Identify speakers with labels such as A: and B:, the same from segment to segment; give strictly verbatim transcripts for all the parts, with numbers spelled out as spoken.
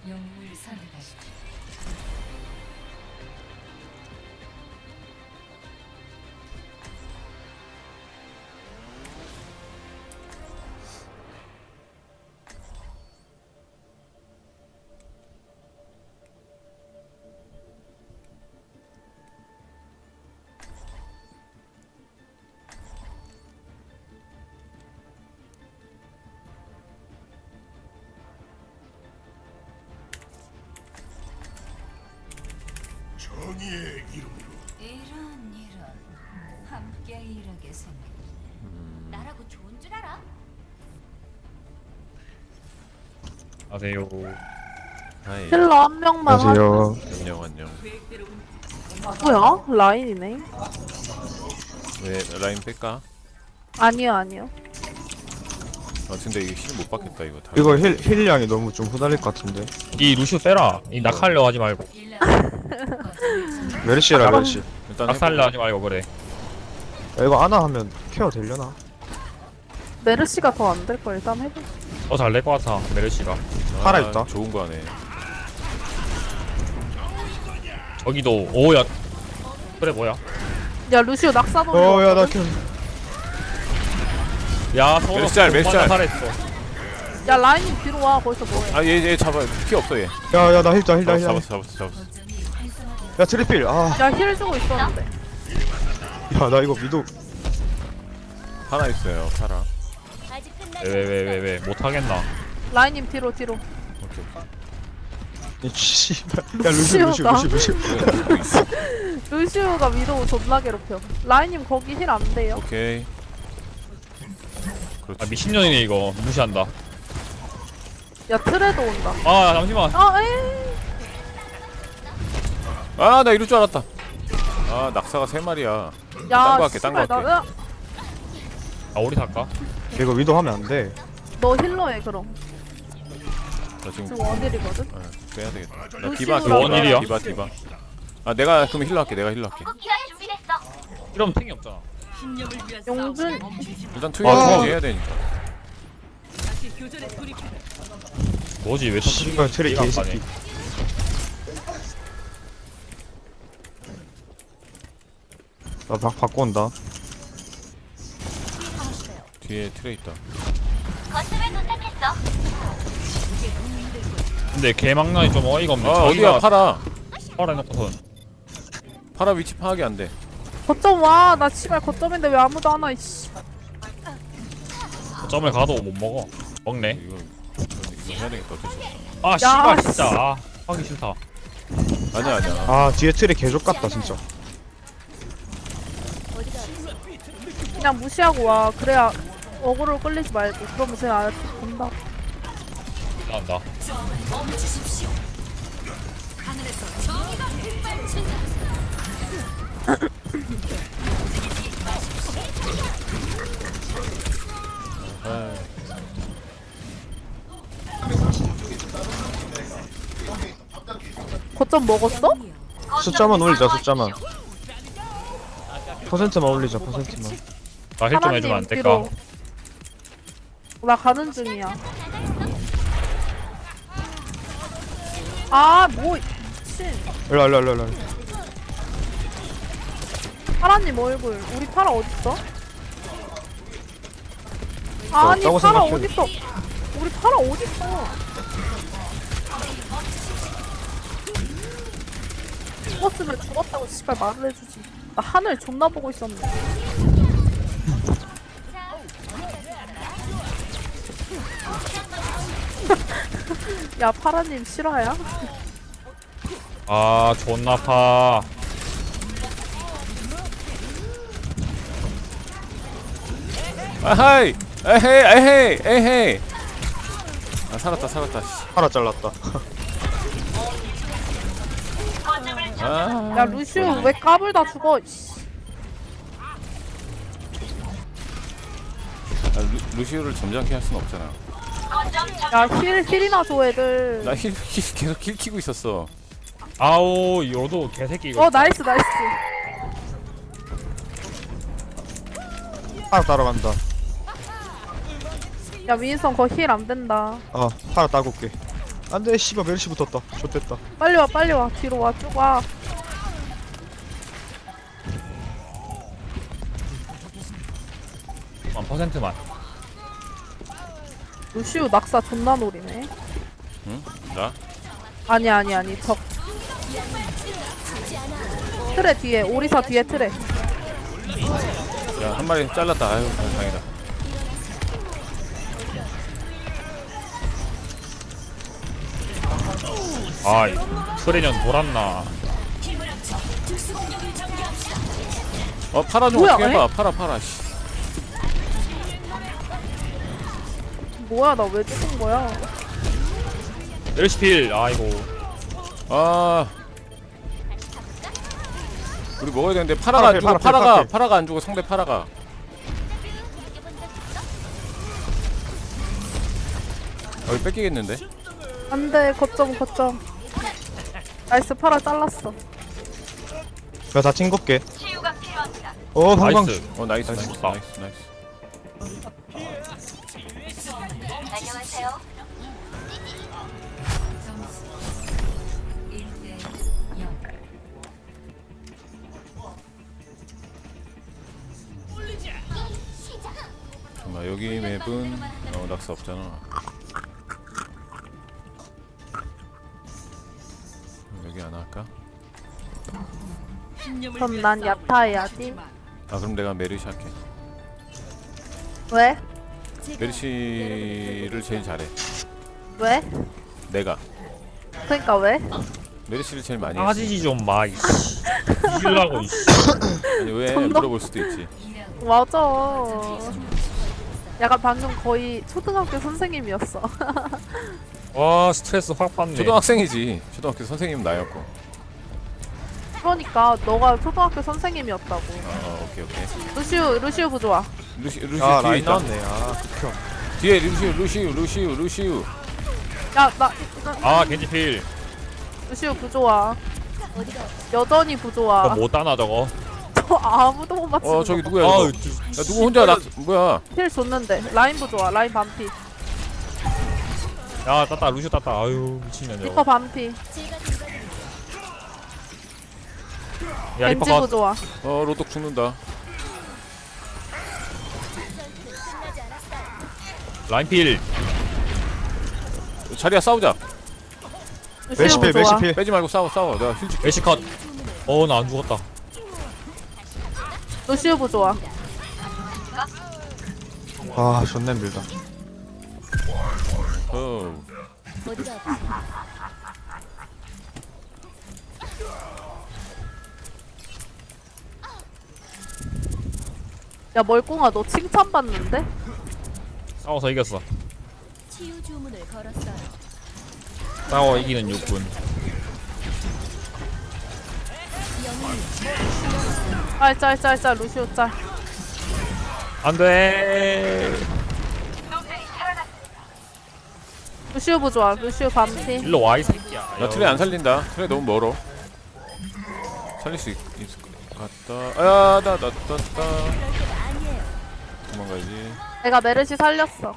A: 영웅을 선택하십시오.
B: 정의의 이름으로.
A: 이런 이런 함께 일하게 생겼네.
C: 나라고 좋은 줄 알아?
D: 안녕하세요.
E: 하이.
F: 힐러 한 명만
E: 안녕하세요. 안녕 안녕.
F: 하... 뭐야? 라인이네.
E: 왜 라인 뺄까?
F: 아니요 아니요.
E: 아 근데 이거 힐 못 받겠다 이거 다.
G: 이거 힐, 힐량이 너무 좀 후달릴 것 같은데.
D: 이 루시오 빼라. 이 낙하려 하지 말고.
G: 메르시라 메르시.
E: 일단
D: 낙살려 하지 말고 그래.
G: 야, 이거 아나 하면 케어 되려나?
F: 메르시가 더 안 될 걸 일단 해보.
D: 더 잘 낼 것 같아 메르시가.
G: 살아있다.
E: 좋은 거 하네.
D: 저기도 오야. 그래 뭐야?
F: 야 루시오 낙사 돌려.
G: 어야 나 케어.
D: 야 서로
E: 메르시알, 메르시알.
D: 살했어.
F: 야 라인님 뒤로 와. 거기서 뭐해?
E: 아얘 얘 잡아. 피 없어 얘.
G: 야야 나 힐다 힐다
E: 잡았어
G: 힐다.
E: 잡았어 잡았어 잡았어.
G: 야 트리필. 아.
F: 야 힐 주고 있었는데.
G: 야 나 이거 미도.
E: 하나 있어요 파라.
C: 아직 끝나지
D: 왜 왜 왜 왜 못하겠나?
F: 라인님 뒤로 뒤로.
E: 오케이.
G: 이 씨발. 야 루시 루시
F: 루시오가.
G: 루시 루시.
F: 루시오가 위도우 존나 괴롭혀. 라인님 거기 힐 안 돼요.
E: 오케이.
D: 아
E: 그렇지.
D: 미친년이네 이거. 무시한다.
F: 야 트레도 온다.
D: 아 잠시만.
F: 아 에이.
E: 아나 이럴 줄 알았다. 아 낙사가 세 마리야. 딴
F: 야
E: 거 할게, 딴거
F: 씨발
E: 할게.
F: 나.
D: 아 우리 살까?
G: 이거 위도 하면 안 돼.
F: 너 힐러해 그럼.
E: 나 지금
F: 지금 원딜이거든.
E: 어, 빼야 되겠다. 나
F: 루시오가
E: 디바 디바
D: 원일이야?
E: 디바 디바. 아 내가 그럼 힐러 할게. 내가 힐러 할게.
C: 궁극기가 준비됐어.
D: 이러면 탱이 없잖아.
F: 용준.
E: 일단
G: 아,
E: 투여 해야 되니까.
D: 뭐지 왜
G: 씨발 트리
D: 이해가 안
G: 개새끼. 나막 바꿔 온다.
E: 뒤에 트레 있다.
C: 거점에 도착했어.
D: 근데 개망나니 좀 어이가 없네.
E: 아 어디야 파라.
D: 팔아놓고선.
E: 파라 위치 파악이 안 돼.
F: 거점 와. 나 씨발 거점인데 왜 아무도 안 와. 이씨.
D: 점을 가도 못 먹어. 먹네.
E: 이거 이거 해야 되겠다. 어쩔 수 없어.
D: 아 씨발 진짜. 아, 하기 싫다.
E: 아니야 아니야.
G: 아 뒤에 트리 개족 같다 진짜.
F: 그냥 무시하고 와. 그래야 어그로 끌리지 말고. 그러면 제가 알아서 본다.
D: 나온다.
E: 아,
F: 거점 먹었어?
G: 숫자만 올리자 숫자만. 퍼센트만 올리자 퍼센트만.
D: 나 힐 좀 해주면 안 될까?
F: 뒤로. 나 가는 중이야. 아, 뭐 미친.
G: 일로 일로 일로 일로.
F: 파라님 얼굴. 우리 파라 어딨어? 아니,
G: 없다고
F: 파라
G: 생각해.
F: 어딨어? 우리 파라 어딨어? 죽었으면 죽었다고 씨발 말을 해주지. 나 하늘 존나 보고 있었네. 야, 파라님 실화야?
D: 아 존나 파.
E: 아하이. 에헤이 에헤이 에헤이. 아 살았다 살았다. 씨.
G: 하나 잘랐다.
E: 아.
F: 야, 루시오 왜 까불다 죽어? 씨.
E: 아, 루, 루시오를 점잖게 할 순 없잖아.
F: 야, 힐, 힐이나 줘, 애들.
E: 나 힐, 힐 계속 힐 키고 있었어.
D: 아우 요도 개새끼 이거.
F: 어, 나이스, 나이스.
G: 하나 따라간다.
F: 야, 윈선 거 힐 안 된다.
G: 어 하나 따고 올게. 안돼 씨발 멜시 붙었다. 좋됐다.
F: 빨리 와 빨리 와 뒤로 와 쭉 와.
D: 한 퍼센트만.
F: 루시우 낙사 존나 노리네.
E: 응? 나?
F: 아니 아니 아니 적. 트레 뒤에 오리사 뒤에 트레.
E: 야 한 마리 잘랐다. 아유 다행이다.
D: 아이 트레년 돌았나.
E: 어 파라 좀
F: 뭐야,
E: 어떻게 해봐.
F: 에?
E: 파라 파라 씨.
F: 뭐야 나 왜 죽은 거야?
D: 멜시필. 아이고.
E: 아 우리 먹어야 되는데 파라가 안
G: 파라,
E: 죽어.
G: 파라,
E: 파라가
G: 파라.
E: 파라가 안 죽어. 상대 파라가. 여기 뺏기겠는데?
F: 안돼 거점 거점. 나이스 파라 잘랐어.
G: 야다 찡겁게. 어 방방.
D: 나이스.
E: 어 나이스 나이스
D: 아.
E: 나이스 나이스.
C: 안녕하세요.
A: 일 대 영.
E: 잠깐만 여기 맵은 어 낙서 없잖아. 여기 안 할까?
F: 그럼 난 야타 해야지.
E: 아 그럼 내가 메르시 할게.
F: 왜?
E: 메르시를 제일 잘해.
F: 왜?
E: 내가
F: 그러니까 왜?
E: 메르시를 제일 많이 했어.
D: 빠지지 좀 마. 이씨. 이길라고 이씨.
E: 아니 왜
F: 존나-
E: 물어볼 수도 있지.
F: 맞아. 약간 방금 거의 초등학교 선생님이었어.
D: 와 스트레스 확 받네.
E: 초등학생이지. 초등학교 선생님 나였고.
F: 그러니까 너가 초등학교 선생님이었다고.
E: 어 오케이 오케이.
F: 루시우 루시우 부조화.
E: 루시 루시
G: 아
E: 뒤에
G: 라인
E: 있다.
G: 나왔네. 아 극혐.
E: 뒤에 루시우 루시우 루시우 루시우.
F: 야나
D: 아 겐지필.
F: 루시우 부조화. 여전히 부조화.
D: 저못 따나 저거.
F: 저 아무도 못 맞추는
E: 어 저기
F: 거.
E: 누구야
D: 아우
E: 이거? 야 누구 혼자 낙 뭐야?
F: 힐 줬는데 라인 부조화. 라인 반피.
D: 야 따따 루시오 따따. 아유 미친년
F: 리퍼
D: 저거.
F: 반피.
D: 야 리퍼
F: 겐지
D: 컷.
F: 부조화.
E: 어 로독 죽는다.
D: 라인필.
E: 자리야 싸우자.
F: 루시우
G: 멜시필
F: 부조화.
G: 멜시필.
E: 빼지 말고 싸워 싸워. 내가 힐 줄게.
D: 멜시 컷. 어 나 안 죽었다.
F: 루시우 부조화.
G: 아 존나 힘들다.
E: 어.
F: 야 멀꽁아 너 칭찬받는데?
D: 싸워서 이겼어.
C: 치유 주문을 걸었어요.
D: 싸워 이기는 육군.
F: 짤짤짤짤 루시우 짤.
D: 안돼.
F: 루시우 부조화. 루시우 반피.
D: 일로 와 이 새끼야.
E: 나 트레 안 살린다. 트레 너무 멀어. 살릴 수 있, 있을 것 같다. 아야 나나 나 나. 도망가야지.
F: 내가 메르시 살렸어.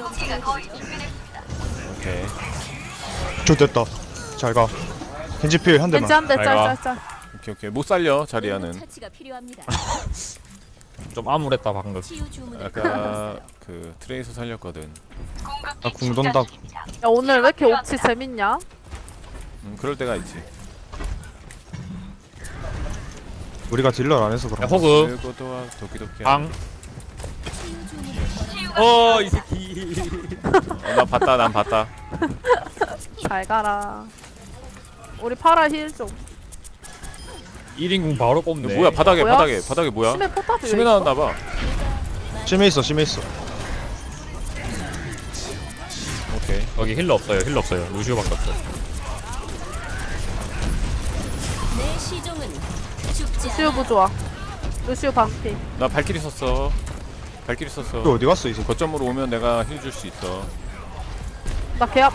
E: 오케이.
G: 좋됐다. 잘 가. 겐지필 한
F: 겐지
G: 대만.
F: 한대
D: 잘 가.
F: 짤짤짤.
E: 오케이 오케이. 못 살려 자리야는.
C: 처치가 필요합니다.
D: 좀 암울했다 방금.
C: 치유 주문을
E: 아까 그 트레이서 살렸거든.
G: 나궁 돈다.
F: 야 오늘 왜 이렇게 옵치 재밌냐?
E: 음 그럴 때가 있지.
G: 우리가 딜러 안 해서
D: 야
G: 그런.
D: 호그.
E: 그것도와 도끼도끼.
D: 방. 어이 새끼.
E: 어, 나 봤다 난 봤다.
F: 잘 가라. 우리 파라 힐 좀.
D: 일 인궁 바로 뽑네.
E: 뭐야 바닥에
F: 뭐야?
E: 바닥에 바닥에 뭐야?
F: 심해 포탑이 왜
E: 심해
F: 있어?
E: 나왔나봐.
G: 심해 있어 심해 있어.
E: 오케이.
D: 여기 힐러 없어요. 힐러 없어요. 루시오밖에 없어.
C: 내 시종은 죽지
F: 루시우
C: 않아.
F: 부조화. 루시우 반피.
E: 나 발키리 썼어. 발키리 썼어.
G: 또 어디 갔어 이 새끼.
E: 거점으로 오면 내가 힐 줄 수 있어.
F: 나 개압.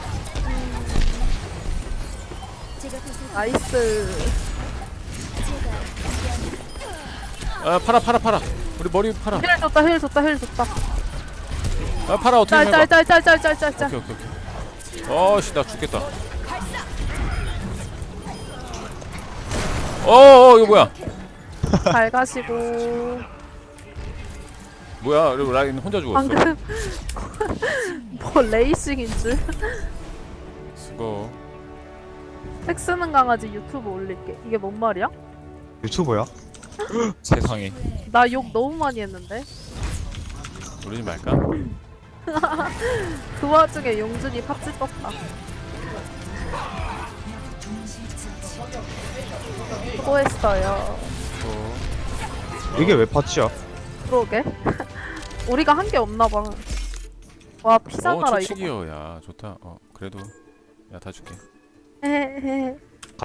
C: 제가 도서
F: 나이스.
E: 아 팔아 팔아 팔아. 우리 머리 팔아.
F: 힐 줬다 힐 줬다 힐 줬다.
E: 아 팔아 어떻게 해봐.
F: 짤짤짤짤짤짤짤.
E: 오케이 오케이 오케이. 어씨 나 죽겠다. 어어 이거 뭐야?
F: 잘 가시고.
E: 뭐야? 그리고 라인 혼자 죽었어.
F: 방금 뭐 레이싱인 줄.
E: 수고.
F: 색 쓰는 강아지 유튜브 올릴게. 이게 뭔 말이야?
G: 유튜버야?
D: 세상에.
F: 나 욕 너무 많이 했는데.
E: 모르지 말까?
F: 그 와중에 용준이 팝지 떴다. 수고했어요.
E: 어.
G: 이게 왜 파츠야?
F: 그러게. 우리가 한 게 없나 봐. 와 피자
E: 어
F: 나라 이거.
E: 초치기요. 야 좋다. 어 그래도 야 다 줄게.
F: 헤헤헤.